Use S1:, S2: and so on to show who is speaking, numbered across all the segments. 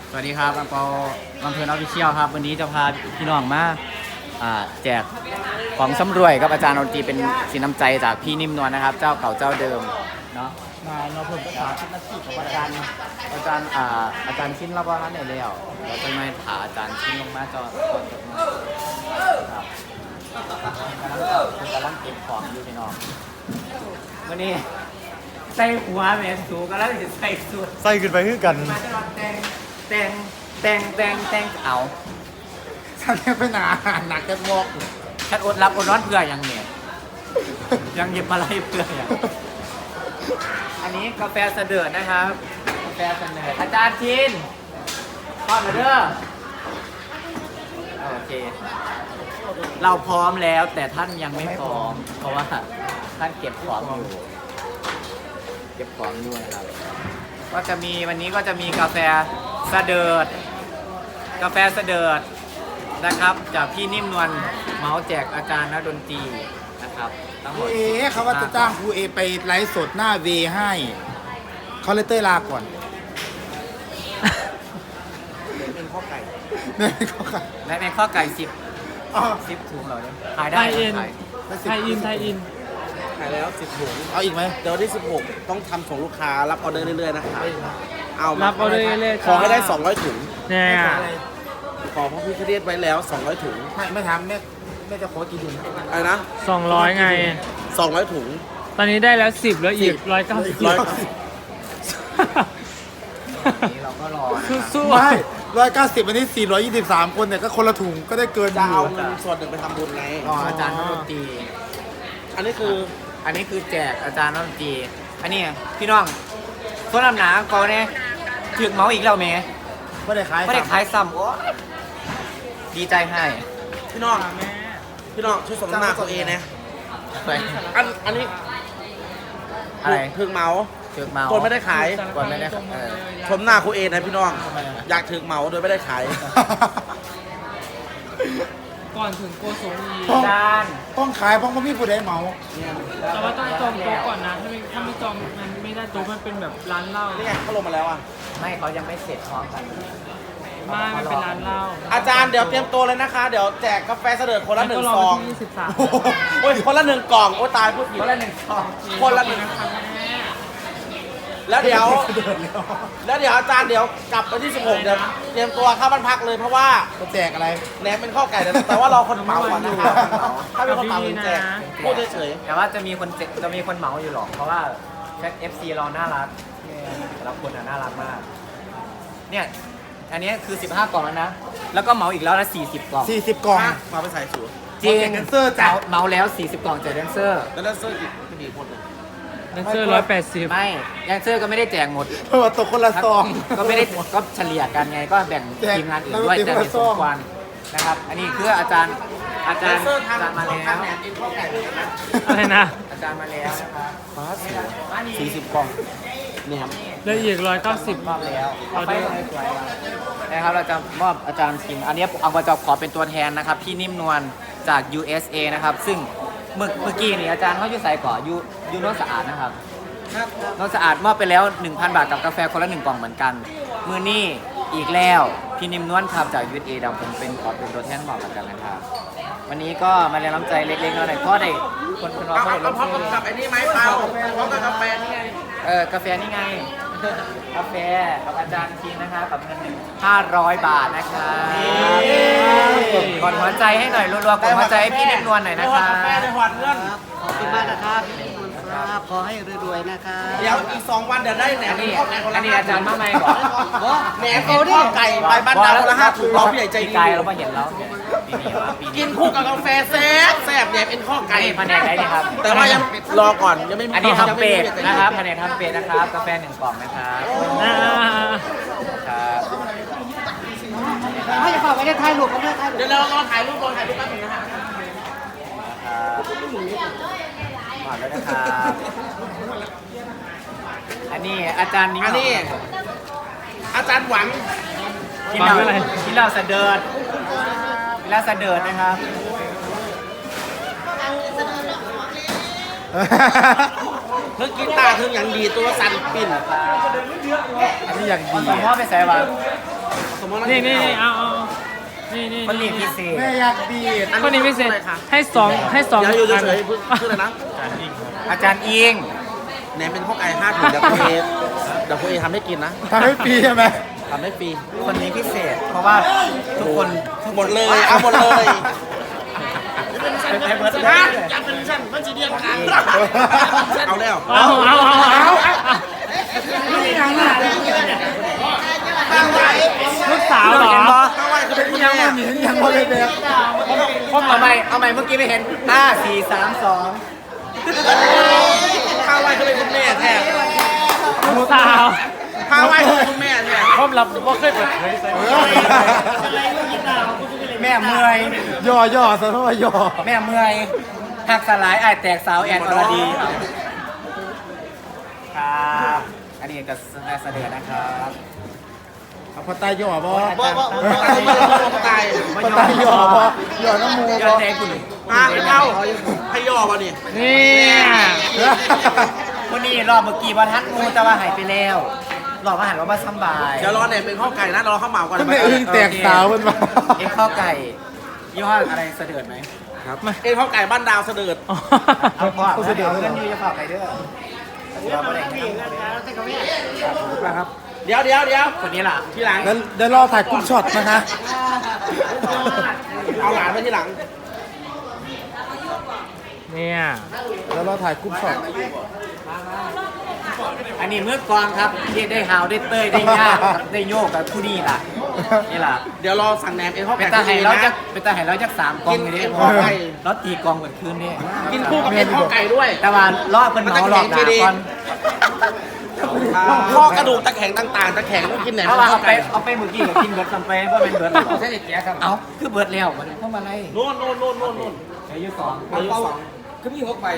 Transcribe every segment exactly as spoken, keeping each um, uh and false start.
S1: สวัสดีครับอังเปาลำเพลินออฟฟิเชียลครับวันนี้จะพาพี่น้องมาอ่าแจกของสำรวยกับอาจารย์ดนตรีเป็นสินน้ำใจจากพี่นิ่มนวลนะครับ เจ้าเก่าเจ้าเดิมเนาะมาเนาะเพิ่มภาษาชินนาทีของอาจารย์อาจารย์อ่าอาจารย์ชิ้นรับว่าท่านไหนแล้วเราจะมาถามอาจารย์ชิ้นลงมาจอจอจดมาครับกำลังเก็บของอยู่พี่น้องวันนี้ใส่หัวแม่สูกำลังจะใส่สูท
S2: ใส่ขึ้นไปคือกัน
S1: มาจะรอแต่งแต่งแต่งแต่งแต่งเอา
S2: ฉันแค่ไปหนาหนักแค่วอก
S1: ฉันอดรับอดร้อนเพื่ออย่างเนี่ยยังหยิบอะไรเพื่ออย่างอันนี้กาแฟเสด็จนะครับกาแฟเสด็จอาจารย์ชินพร้อมแล้วเด้อโอเค เราพร้อมแล้วแต่ท่านยังไม่พร้อม เพราะว่าท่านเก็บของอยู่เก็บของอยู่นะครับก็จะมีวันนี้ก็จะมีกาแฟเสด็จกาแฟเสด็จนะครับจากพี่นิ่มนวลเมาส์แจกอาจารย์นักดนตรีนะครับทั้งหมด
S2: เอ๊ะเขาว่าจะจ้างครูเอไปไลฟ์สดหน้าเวให้เขาเลยเต้ยลาก่อนเป็นข้อไก่เป็นข้อไก่
S1: และในข้อไก่สิบ
S2: อ๋อ
S1: สิบถุงเหรอเนี่ยขายได้
S3: ไทยอิน
S1: ขาย
S3: ไทยอินไทยอิน
S4: ขายแล้วสิบถุง
S2: เอาอีกไหม
S4: เดี๋ยววันที่สิบหกต้องทำส่งลูกค้ารับออเดอร์เรื่อยๆนะครับเอา
S3: รั
S4: มา
S3: บออเดอร์เรื่อยๆ
S4: ขอให้ได้สองร้อยถุง
S3: เนี่ย
S2: ไม่ขออะไร
S4: ขอพระพิฆเนศไว้แล้วสองร้อยถุง
S2: ไม่ไม่ทำแม่แม่จะขอกี่ถุง
S4: อะไรนะ
S3: สองร้อยไง
S4: สองร้อยถุง
S3: ตอนนี้ได้แล้วสิบแล้วอีกร้อยเก้าสิบ
S4: ร้อย
S1: นี้เราก็รอนะครับ
S3: สู้
S2: ไม่ร้อยเก้าสิบวันนี้สี่ร้อยยี่สิบสามคนเนี่ยก็คนละถุงก็ได้เกินอ
S4: จะ
S2: ยู่
S4: เอาเงินส่วนหนึ่งไปทำบุญไง
S1: รออาจารย์นักดนตรี
S4: อันนี้คือ
S1: อันนี้คือแจกอาจารย์นักดนตรีอันนี้พี่น้องต้นลำหนาเขาเนี่ยถึกเมาส์อีกแล้วเมย์
S2: ไม่ได้ขาย
S1: ไม่ได้ขายซ้ำโอ้ยดีใจให้
S4: พี่น้องพี่น้องช่วยสมนาตัวเองนะ
S1: ไป
S4: อันอันนี้
S1: อะไร
S4: เพิ่งเมาส์
S1: ถึกเมาส์
S4: ตัวไม่ได้ขาย
S1: ก่อนไม่ได้เออ
S4: ชมหน้าคุณเอนะพี่น้อง
S1: ทำไมอะ
S4: อยากถึงเมาส์โดยไม่ได้ขาย
S3: ก่อนถึงโกสงอี
S2: ต้อง
S1: อาจารย์
S2: ต้องขายเพราะเขาไม่ผู้ใดเหมา
S3: แต่ว่าต้องจองโต๊ะก่อนนะ ถ้าไม่ถ้าไม่จองมันไม่ได้โต๊ะมันเป็นแบบร้านเหล้า
S4: นี่ไงเขาลงมาแล้วอ่ะ
S1: ไม่เขายังไม่เสร็จพร้อมกัน
S3: ไม่มันเป็นร้านเหล้า
S4: อาจารย์เดี๋ยวเตรียมตัวเลยนะคะ เดี๋ยวแจกกาแฟเสด็จคนละหนึ่งซอง
S3: ยี่สิบสาม
S4: โอ้ยคนละหนึ่งกล่องโอ้ตายพูดผิด
S1: คนละหนึ่งซอง
S4: คนละหนึ่งแล้วเดี๋ยว แล้วเดี๋ยวอาจารย์เดี๋ยวกลับวันที่สิบหกเดี๋ยวเตรียมตัวเข้าบ้านพักเลยเพราะว่า
S2: จะแจกอะไร
S4: แหนมเป็นข้อไก่แต่แต่ว่ารอคนเหมาก่อนนะคะถ้าเป็นคนเหมาถึงแจกพูดเฉย
S1: แต่ว่าจะมีคนเจจะมีคนเหมาอยู่หรอก เพราะว่าแพ็ค เอฟ ซี เราน่ารักแต่ละคนอ่ะน่ารักมาก เนี่ย อันนี้คือสิบห้ากล่องแล้วนะ แล้วก็เหมาอีกแล้วนะสี่สิบกล่อง
S2: สี่สิบกล่อง
S4: ๆมาไปใส่สูตร
S1: จริง
S2: แดนเซอร์จ้ะ
S1: เหมาแล้วสี่สิบกล่องแจกแดนเซอร์
S4: แล้วนั่นเสื้ออีกไม่มีคนหนึ่ง
S3: นั่นเสื้อร้อยแปดสิบ
S1: ไม่แดนเซอร์ก็ไม่ได้แจกหมด
S2: เพราะว่าตกคนละซอง
S1: ก็ไม่ได้ก็เฉลี่ยกันไง ก็แบ่ง
S2: แจก
S1: ทีมงานอื่นด้วย
S2: แล้วก็
S1: แต่มีส
S2: ทีม
S1: ม
S2: ละซอง
S1: ควรนะครับ อันนี้คืออาจารย์อาจารย์
S4: เสื้อ
S1: อา
S4: ทาง
S1: จารย์มา
S4: ทา
S1: แล้
S4: ง
S1: ว
S4: แหนมกินข้อไก่เลยนะ
S3: อะไรนะ
S1: อาจารย์มาแล้วนะครับ
S4: ฟ้าสวยสี่สิบกล่องแหนม
S3: แล้วอีกร้อยเก้าสิบ
S1: มอบแล้ว
S3: ออเดอร์
S1: สวยๆนะครับเราจะมอบอาจารย์คิมอันนี้เอามาจะขอเป็นตัวแทนนะครับพี่นิ่มนวลจาก ยู เอส เอ นะครับ ซึ่งเมื่อเมื่อกี้นี่อาจารย์เขาอยู่ใส่ก่อยูยูโนตสะอาดนะครับโนตสะอาดมอบไปแล้ว หนึ่งพัน บาทกับกาแฟคนละหนึ่งกล่องเหมือนกัน มือนี่อีกแล้วพี่นิ่มนวลครับจาก ยู เอส เอ ดำผมเป็นขอเป็นตัวแทนมอบกันนะครับวันนี้ก็มาเรียนน้ำใจเล็กๆน้อยๆเพราะได้คนคนเรา
S4: เอา
S1: เขา
S4: เอา
S1: ได้
S4: เอาพร้อมกับกับไอ้นี่ไหมเปล่าพร้อมกับกาแฟนี่ไง
S1: เออกาแฟนี่ไง กาแฟกับอาจารย์คิงนะคะกับเงินหนึ่งห้าร้อยบาทนะคะกดหัวใจให้หน่อยรัวๆกดหัวใจให้พี่นิ่มนวลหน่อย
S4: ได้
S1: นะ
S4: หอ
S1: คะ
S4: ดกาแฟได้หอดเงิน
S5: ขอบคุณมากนะครับพี่นิมนต์ครับขอให้รวยๆนะครับ
S4: เดี๋ยวอีกสองวันเดี๋ยวได้แหน
S1: อั
S4: ม
S1: นนี้
S4: ข้อไก่คน
S1: อั
S4: ละ
S1: นนี้อาจารย์มาใหม่บอก
S4: แหนมกินข้อไก่ไปบ้านดาวคนละห้าถุงรอพี่ใหญ่ใจ
S1: ปี
S4: ดี
S1: กายเรามาเห็นแล้วปีนี้ว่าปี
S4: กิ
S1: นี้
S4: นคู่กับกาแฟแซ่บแซ่บแหนมเป็นข้อ
S1: อั
S4: ไก่
S1: นนี้แผนกไหนดีครับ
S4: แต่ว่ายังรอก่อนยังไม่มี
S1: อันนี้
S4: ยัง
S1: ทำ
S4: ไม่
S1: เป็ด
S4: มี
S1: นะครับแผนกทำเป็ดนะครับกาแฟหนึ่งกล่องนะครับ
S3: อ่า
S1: ครับ
S5: ให้จะฝากไว้ในท้ายรูปกันด้วยท้ายรูป
S4: เดี๋ยวเรารอถ่ายรูปรอถ่ายรูปแป๊บนึงนะฮะ
S1: ครับหมดแล้วนะครับอันนี้อาจารย์นิ้ง
S4: อันนี้อาจารย์หวัง
S1: กินเหล้ากินเหล้าสะเดิดกินเหล้าสะเดิดนะครับ
S4: เพิ่งกินตาเพิ่งอย่างดีตัวสั่นปิ่น
S2: อันนี้อย่างดี
S1: สมพ่อไปใส่วัน
S4: สมมติ
S3: นี่นี่นี่เอาเอานี่นี่
S1: มันมีพิเศษ
S2: แม่อยากดีด
S3: คนนี้พิเศษให้สองให้สอง
S4: เดี๋ยวอยู่
S3: อัน
S4: เฉยๆชื่ออะไรนะ
S1: อาจารย์อิง
S4: แหนมเป็นข้าวไก่ห้าถุงเดี๋ยวคุณเอเดี๋ยวคุณเอทำให้กินนะ
S2: ทำให้ฟรีใช่ไหม
S4: ทำให้ฟรี
S1: คนนี้พิเศษ เพราะว่าทุกคน
S4: หมดเลยเอาหมดเลย
S1: ให้เบิร์ด
S4: ฮะ
S1: อยากเป็นชั้นมันจะเดียนกัน
S4: เอาแล้ว
S3: เอาเอาเอาเอาลูกสาวเหรอ
S4: ข้าวไก่คือเป็นคุณ
S2: ยัง
S4: แม่
S2: ไม่เห็นยังไม่ได้แบบ
S1: เอาใหม่เอาใหม่เมื่อกี้ไม่เห็นห้าสี่สามสอง
S4: ข้าวไก่คือเป็นคุณแม่แท้
S3: ลูกสาว
S4: ข้าวไก่คือเป็นคุณแม่แท้
S3: ผมรับว่าเคยเปิดเผยใส่
S1: แม่เมื่อย
S2: ย่อย่อซะเพราะว่าย่อ
S1: แม่เมื่อยหักสลายไอายแตกสาวแอนอรดีครับ อันนี้ก็แม่เสด็จนะครับ
S2: เอาพอตายย่อบ่
S4: บ่บ่บ่ไม่ได้พ่อตาย
S2: พอตายย่อบ่ย่อน้ำมู
S1: ยอ
S2: บ่
S1: ดแทงคุณ
S4: อ่ะเอาให้ย่อมานี่
S3: นี่
S1: วันนี้รอบเมื่อกี้ว่าทัดงูแต่ว่าหายไปแล้วรอบมาหันว่ามาสำบาย
S4: เดี๋ยวรอเนี่ยเป็นข้าวไก่นะรอข้าวเหมาก่อน
S2: คุณแม่อึ้งแตกสาวมันมา
S1: เอ็กข้าวไก่ยี่ห้ออะไรเสด็จไหม
S4: ครับเอ็นข้าวไก่บ้านดาวเสด็จ
S1: เอาพ่อเอาเสด็จเอาเงินอยูจะฝากไปเด้อเราไม่ได้เงินนะครับ
S4: เดี๋ยวเดี๋ยวเดี๋ยว
S1: คนนี้ล่ะ
S4: ทีหลัง
S2: แล้วเดี๋ยวรอถ่ายกรุ๊ปช็อตนะคะ
S4: เอาหลานไปทีหลัง
S3: เนี่ย
S2: แล้วรอถ่ายกรุ๊ปช็อต
S1: อันนี้มือกลองครับที่ได้หาวได้เต้ยได้ยากกับได้โยกกับผู้นี้ล่ะนี่ล่ะ
S4: เดี๋ยวรอสั่งแหนมเอ็นข้าว
S1: เป็
S4: ไก่
S1: นตาไห่เราจะเป็นตาไห่เราจะสามกองอยู่ดิ
S4: กินข้าวไก่
S1: เราตีกองเหมือนคืนนี่
S4: กินคู่กับเอ็นข้าวไก่ด้วย
S1: แต่ว่าล่อเพิ่นเหมาหลอกด่าก่อน
S4: ข้อกระดูกตะแข็งต่างๆตะแข็งต้องกินแหนม
S1: เพราะว่าเอา
S4: ข้าว
S1: ไป
S4: ไก่
S1: เอาไปเมื่อกี้กับกินเบิร์ดจำไปว่าเป็นเบิร์ดใช่แกครับเอาคือเบิร์ดแล้วมันเข้ามาไล่
S4: โน่นโน่นโน่นโน่นโน่น
S1: อายุสอง
S4: อายุสอง
S1: คือมีหกใบ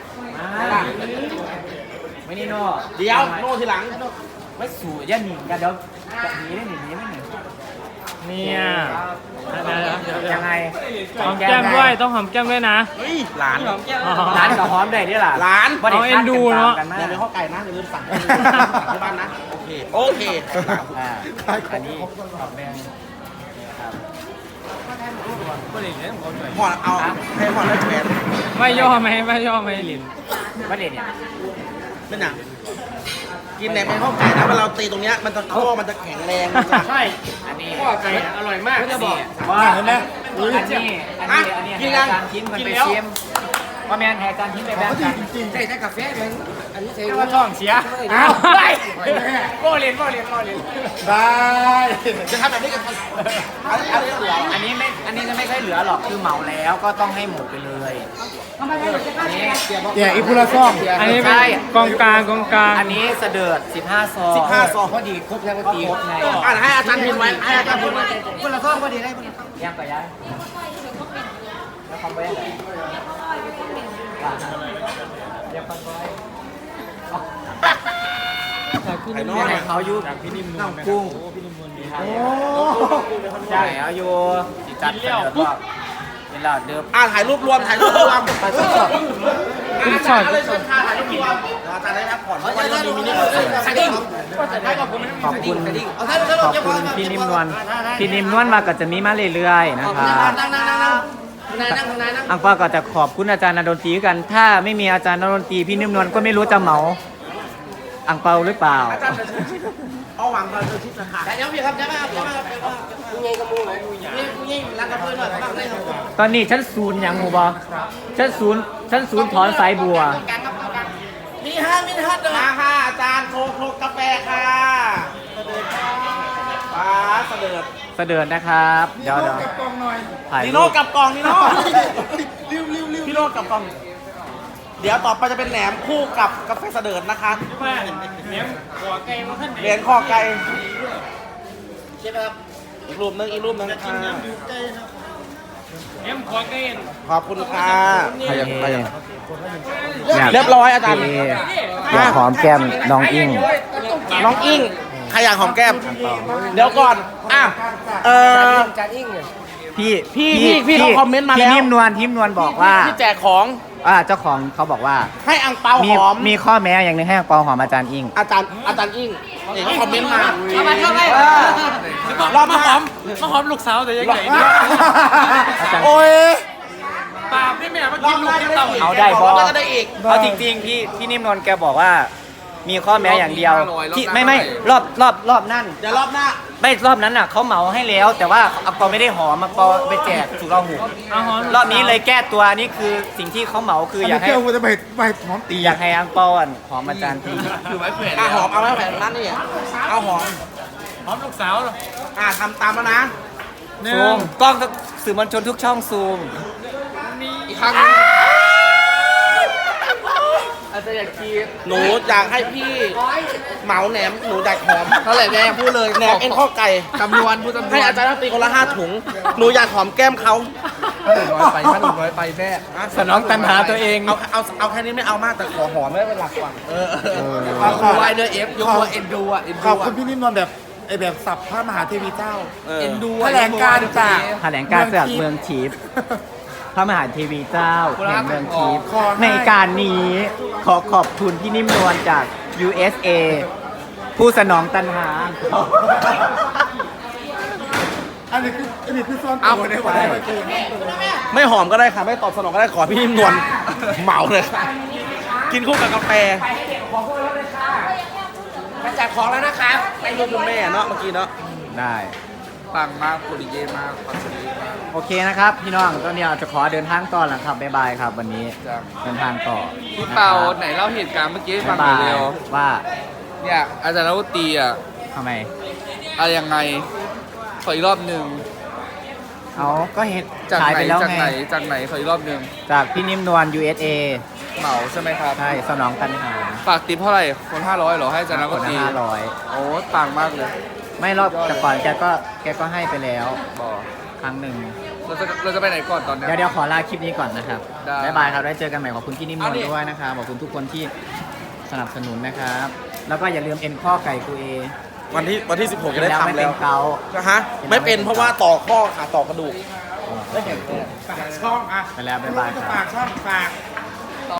S1: ไม่นี่โน่
S4: เดี๋ยวโน่นทีหลัง
S1: ไม่สู่ย่าหนิงกันเดี๋ยวจะหนีได้หนีไม่หนี
S3: เนี่ย
S1: ยังไง
S3: หอมแก้มด้วยต้องหอมแก้มด้วยนะ
S4: เฮ้ยหลาน
S1: ร้านกับหอมได้ด้วยล่ะ
S4: หลาน
S1: บ่ได้
S3: เอาเอ็นดูเนอะ
S1: คดกัน
S4: แหนม
S1: มาก
S4: เป็นข้าวไก่นะอย่าลืมสั่งที่บ้านนะโอเคโอเค
S1: อ่าอันนี้ขอบแดงครับ
S4: ห่อเอาให้ห่อแล้วแหวน
S3: ไม่ย่อไหมไม่ย่อไหมลิน
S1: ประเด็นเนี่ย
S4: เป็นหนังกินแหนมเป็นข้าวไก่นะเวลาเราตีตรงเนี้ยมันจะข้อมันจะแข็งแรงมันจะ
S1: ใช่อันนี้ข้อไก่อร่อยมากจะบอก
S2: ว่าเห็นไหม
S1: อันนี้อันนี้อันนี้ให้อาจารย์ทิ้งมันไปเชียมว่าแมนให้อาจารย์ทิ้งไปแบงกันใช่ใช่กาแฟเลยอันนี้ใช่ว่าท้องเสียอ้าวไปโบเรียนโบเรียนโบเรียน
S2: ได้
S4: จะทำแบบนี้กับอันนี้เหลือ
S1: อันนี้ไม่อันนี้จะไม่ใช่เหลือหรอกคือเหมาแล้วก็ต้องให้หมดไปเลยอันนี้
S2: แย่อีพุละซ่อง
S3: อันนี้เป็นกองกลางกองกลาง
S1: อันนี้เสดิร์ดสิบห้าซอง
S4: สิบห้าซอง
S1: พอดีครบแล้วพอดีครบไง
S4: อ่านให้อาจารย์พิมพ์ไว้ให้อาจารย์พิมพ์ไว้
S1: คนละซองพอดีได้คนละซองย่างไปย่างแล้วคอมไว้ไหนย่างคอมไว้
S4: ไข่น้อ
S1: เนี่ย
S4: ย
S1: เขาอยู่น้ำกุ้ง
S2: โอ้
S1: ใช่เอาอยู่จิจัดเสดิร์ดก็เป็นเหล่าเดิม
S4: อ่าถ่ายรูปรวมถ่ายรูปรวม
S1: ไปทดสอบ
S3: คุณช็อต
S4: เลยเชิญค่ะถ่ายรูปรวมอาจารย์ได้พักผ่อนเพราะวันนี้มีมินิคอนเสิร์ต
S1: ขอบคุณขอบคุณพี่นิ่มนวลพี่นิ่มนวลมาก็จะมีมาเรื่อยๆนะครับ
S4: นั่งนั่งนั่งนั่งนายนั่งนายนั่ง
S1: อังเปาก็จะขอบคุณอาจารย์นดนตรีกัน ถ้าไม่มีอาจารย์นดนตรีพี่นิ่มนวลก็ไม่รู้จะเหมาอังเปาหรือเปล่า
S4: อาจารย์จะเอาหวังเราจะชิดสถานเดี๋ยวพี่ครับเดี๋ยวครับเดี๋ยวครับคุณยิงกระมูเลยคุณยิงรักกระเพื่อนหน่อยบ้างได้ครับ
S1: ตอนนี้ชั้นศูนย์ยังหูบอชั้นศูนย์ชั้นศูนย์ถอนสายบัว
S4: มีห้ามินิฮัทเลยค่ะอาจารย์โคโคกาแฟค่ะป้าเสด็จ
S1: เสดินนะครับ เดี๋ยวเดี๋ยวถ่าย
S4: นี
S1: รู
S4: โน่
S1: ป
S4: กับกล่องนีโน่พี่โน่กับกล่อง เดี๋ยวต่อไปจะเป็นแหนมคู่กับกาแฟเสด็จนะคะ
S3: เนี่ยหัวไก่มาขั้นไหน
S4: เหรียญคอไก่อีกรูปหนึงอีกรูปหนึงค่ะ
S3: เนี่ยหัวไก่
S4: ขอบคุณค่ะ
S1: ใครยังใครยัง
S4: เรียบร้อยอาจารย์
S1: อยากหอมแก้มน้องอิง
S4: น้องอิงใครอยากหอมแก้ม เดี๋ยวก่อน อ่ะ เออ
S1: พี่
S4: พี่พี่พี่เขาคอมเมนต์มาแล้ว
S1: พี่นิ่มนวลทิมนวลบอกว่า
S4: ที่แจกของ
S1: อ่าเจ้าของเขาบอกว่า
S4: ให้อังเปา
S1: มี
S4: หอม
S1: มีข้อแม้อย่างหนึงให้อังเปาหอมอาจารย์อิง
S4: อาจารย์อาจารย์อิงเอกคอมเมนต์มา
S5: เข้าไปเข้าไป
S4: เออ
S3: รอบมาหอมมาหอมลูกสาวแต่ยังไง
S2: โอ้ย
S3: ปาบนี่แม่มากินลูกกินเต่า
S1: เอาได้บอ
S4: แล้วก็ได้อีก
S1: เอาจริงๆพี่พี่นิ่มนวลแกบอกว่า มีข้อแม้อย่างเดียวที่ไม่ไม่รอบรอบรอบนั่น
S4: เดี๋ยวรอบหน้า
S1: ไม่รอบนั้นน่ะเขาเหมาให้แล้ว แต่ว่าอังเปาไม่ได้หอมอังเปาไปแจกสุราหู
S3: เอาหอม
S1: รอบนี้เลยแก้ตัวนี่คือสิ่งที่เขาเหมาคือ
S2: อัน
S1: อ
S2: นี้
S1: ยากให้
S2: เที่ยวกูจะไปไปหอมตี
S1: อยากให้อังเปาอ่ะหอมอาจารย์ที
S3: คือไว้เผื่อ
S4: อ่ะหอมเอาไว้แผ่นนั้นนี่เอาหอม
S3: หอมลูกสาวเหรอ
S4: อ่ะทำตามแล้วนะ
S1: ซูมกล้องสื่อมวลชนทุกช่องซูม
S4: อีกครั้งหนึ่งอาจจะอยากกินหนูอยากให้พี่เหมาแหนมหนูอยากหอมเท่าไหร่แม่พูดเลยแหนมเอ็นข้อไก่จำนวนพูดจำนวนให้อาจารย์ตีคนละห้าถุงหนูอยากหอมแก้มเขา
S2: ถ้าหนึ่งร้อยไปถ้าหนึ่งร้อยไปแม่
S1: สนองตัณหาตัวเอง
S4: เอาเอาเอาแค่นี้ไม่เอามากแต่ขอหอมไม่เป็นหลักก่อนเออ
S2: ขอบคุณ
S4: ไวเดอร์เอฟยกว่าเอ็นดูอ่ะเอ็น
S2: ข
S4: ดู
S2: อบคุ
S4: อ่ะ
S2: ณพี่นิ่มนวลแบบไอแบบสับพระมหาเทวีเจ้า
S4: เอ็นดู
S2: แถลงการจาก
S1: แถลงการจากเมืองทิพย์พระมหาเทวีเจ้าแห่งเมืองทิพย์
S2: ขอให้
S1: ในการนี้ขอขอบคุณพี่นิ่มนวลจาก ยู เอส เอ ผู้สนองตัณหา
S2: อันนี้คืออันนี้คือซ่อนตัวได้ไหม
S4: ไม่หอมก็ได้ค่ะไม่ตอบสนองก็ได้ขอพี่นิ่มนวลเหมาเลยค่ะกินคู่กับกาแฟมาจัดของแล้วนะคะไปดูคุณแม่เนาะเมื่อกี้เนาะ
S1: ได้
S4: ปังมากคุริเยมากคอนเสิร์ตมาก
S1: โอเคนะครับ พี่น้องตอนนี้เราจะขอเดินทางต่อแล้วครับ บ๊ายบายครับ วันนี้
S4: จ้ะ
S1: เดินทางต่อ
S6: พี่เปาไหนเล่าเหตุการณ์เมื่อกี้ให้ฟั
S1: บ๊าง ย
S6: หน่
S1: บา
S6: อย
S1: ย
S6: เร็ว
S1: ว่า
S6: เนี่ยอาจารย์นักดนตรีอ่ะ
S1: ทำไม
S6: อะไรยังไงขออีกรอบหนึ่ง
S1: เอาก็เห็น
S6: จาก
S1: ขาย
S6: ไหน
S1: ไปแล้ว
S6: จาก
S1: ไง
S6: ไหนจากไหนขออีกรอบหนึ่ง
S1: จากพี่นิ่มนวล ยู เอส เอ
S6: เหมาใช่ไหมครับ
S1: ใช่ สนองตัณหา
S6: ฝากติปเท่าไหร่คนห้าร้อยเหรอให้อาจารย์นัก
S1: ค
S6: ด
S1: น
S6: น
S1: ละ
S6: ตรี
S1: ห้าร้อย
S6: โอ้ต่างมากเลย
S1: ไม่รอบแต่ก่อนแกก็แกก็ให้ไปแล้ว
S6: บอก
S1: ครั้งหนึ่ง
S6: เราจะเราจะไปไหนก่อนตอนเนี้ย
S1: เดี๋ยวเดี๋ยวขอลาคลิปนี้ก่อนนะครับ
S6: ได้
S1: บ๊ายบายครับ ได้เจอกันใหม่ขอบคุณพี่นิ่มนวล
S6: เอาดิ
S1: ด้วยนะครับ ขอบคุณทุกคนที่สนับสนุนนะครับ แล้วก็อย่าลืมเอ็นข้อไก่กูเอ
S4: วันที่วันที่สิบหกจะได้
S1: แล้วไม่
S4: ทำ
S1: เป็
S4: แล้
S1: น
S4: ว
S1: เกา
S4: นะฮะไม่เป็นเพราะว่าต่อข้อขาต่อกระดูก
S2: ฝากช่องอ่ะ
S1: ไปแล้วบ๊ายบายครับ
S2: ฝากช่องฝาก